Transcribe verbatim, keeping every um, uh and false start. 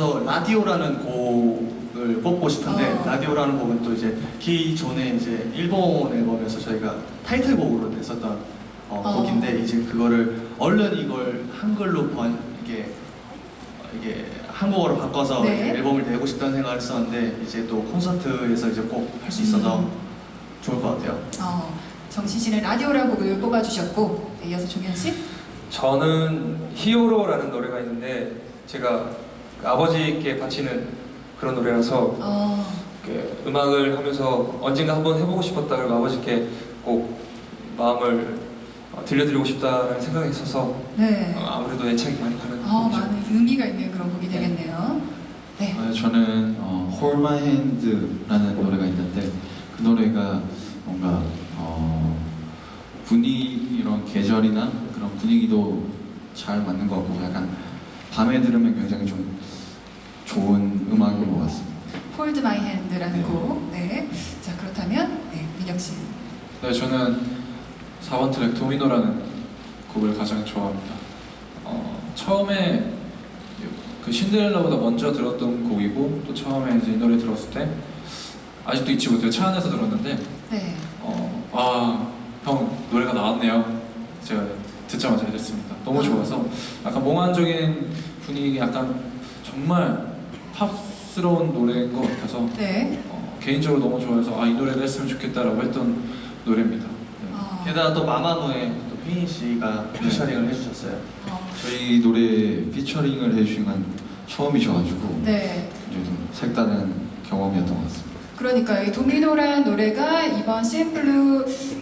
그래서 라디오라는 곡을 뽑고 싶은데 어. 라디오라는 곡은 또 이제 기존에 이제 일본 앨범에서 저희가 타이틀곡으로 냈었던 어, 어. 곡인데 이제 그거를 얼른 이걸 한글로 번 이게 이게 한국어로 바꿔서 네. 이제 앨범을 내고 싶다는 생각을 했었는데 이제 또 콘서트에서 이제 꼭 할 수 있어서 음. 좋을 것 같아요. 어, 정신 씨는 라디오라는 곡을 뽑아주셨고, 네, 이어서 종현 씨. 저는 히어로라는 노래가 있는데 제가 그 아버지께 바치는 그런 노래라서 어, 그 음악을 하면서 언젠가 한번 해보고 싶었다 그리고 아버지께 꼭 마음을 어, 들려드리고 싶다는 생각이 있어서 네. 어, 아무래도 애착이 많이 가는 어, 곡이죠. 많은 의미가 있는 그런 곡이 되겠네요. 네. 아, 저는 어, Hold My Hand라는 노래가 있는데 그 노래가 뭔가 어, 분위기 이런 계절이나 그런 분위기도 잘 맞는 것 같고 약간 밤에 들으면 굉장히 좀 좋은 음악인 것 같습니다. Hold My Hand라는 네. 곡. 네. 자, 그렇다면 네, 민혁 씨. 네, 저는 사 번 트랙 도미노라는 곡을 가장 좋아합니다. 어, 처음에 그 신데렐라보다 먼저 들었던 곡이고 또 처음에 이제 이 노래 들었을 때 아직도 잊지 못해요. 차 안에서 들었는데 네. 어, 아, 형 노래가 나왔네요. 제가 듣자마자 해줬습니다. 너무 좋아서 약간 몽환적인 분위기, 약간 정말 팝스러운 노래인 것 같아서 네. 어, 개인적으로 너무 좋아해서 아, 이 노래가 했으면 좋겠다라고 했던 노래입니다. 네. 어, 게다가 또 마마무에 또 휘인 씨가 피처링을 해주셨어요. 어, 저희 노래 피처링을 해주신 건 처음이셔가지고 네. 굉장히 좀 색다른 경험이었던 것 같습니다. 그러니까 이 도미노란 노래가 이번 샘플로